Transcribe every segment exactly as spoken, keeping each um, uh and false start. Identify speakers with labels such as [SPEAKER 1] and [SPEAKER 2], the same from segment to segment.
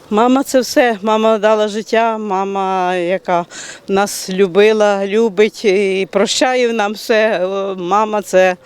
[SPEAKER 1] Мама це все. Мама дала життя, мама, яка нас любила, любить і прощає нам все. Мама це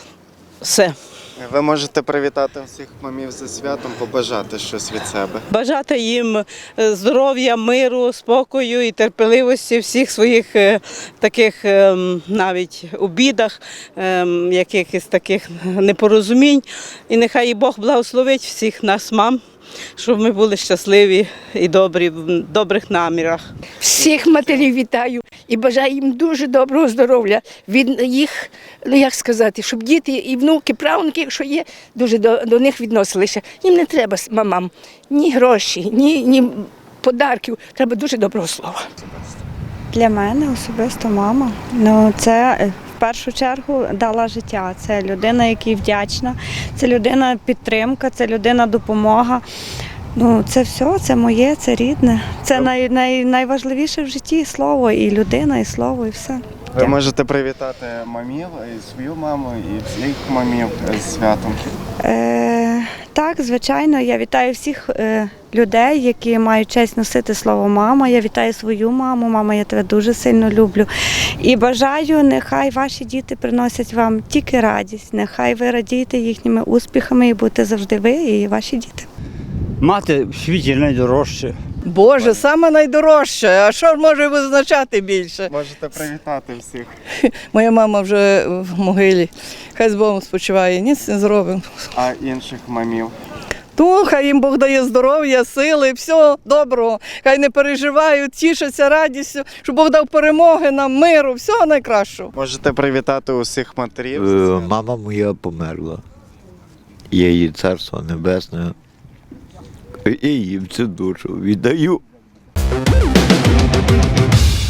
[SPEAKER 1] все.
[SPEAKER 2] Ви можете привітати всіх мамів зі святом, побажати щось від себе.
[SPEAKER 1] Бажати їм здоров'я, миру, спокою і терпеливості всіх своїх е, таких е, навіть обідах, е, якихось таких непорозумінь. І нехай і Бог благословить всіх нас, мам, щоб ми були щасливі і добрі, в добрих намірах.
[SPEAKER 3] Всіх матерів вітаю і бажаю їм дуже доброго здоров'я. Від їх, ну як сказати, щоб діти і внуки, правнуки, якщо є, дуже до, до них відносилися. Їм не треба мамам ні гроші, ні, ні подарків. Треба дуже доброго слова.
[SPEAKER 4] Для мене особисто мама. Ну, це в першу чергу дала життя. Це людина, якій вдячна, це людина підтримка, це людина допомога. Ну, це все, це моє, це рідне. Це най, най, найважливіше в житті слово, і людина, і слово, і все.
[SPEAKER 2] Ви можете привітати мамів, і свою маму, і всіх мамів з святом.
[SPEAKER 4] Е, так, звичайно, я вітаю всіх е, людей, які мають честь носити слово «мама». Я вітаю свою маму. Мама, я тебе дуже сильно люблю. І бажаю, нехай ваші діти приносять вам тільки радість. Нехай ви радієте їхніми успіхами і будете завжди ви і ваші діти.
[SPEAKER 5] Мати в світі найдорожче.
[SPEAKER 6] Боже, саме найдорожче. А що може визначати більше?
[SPEAKER 2] Можете привітати всіх.
[SPEAKER 6] Моя мама вже в могилі. Хай з Богом спочиває, ніц не зробимо.
[SPEAKER 2] А інших мамів.
[SPEAKER 6] Ну, хай їм Бог дає здоров'я, сили, все доброго. Хай не переживають, тішаться радістю, щоб Бог дав перемоги нам, миру, всього найкращого.
[SPEAKER 2] Можете привітати усіх матерів. зі
[SPEAKER 7] Е,
[SPEAKER 2] святом.
[SPEAKER 7] Мама моя померла. Я її царство небесне. І їм цю душу віддаю.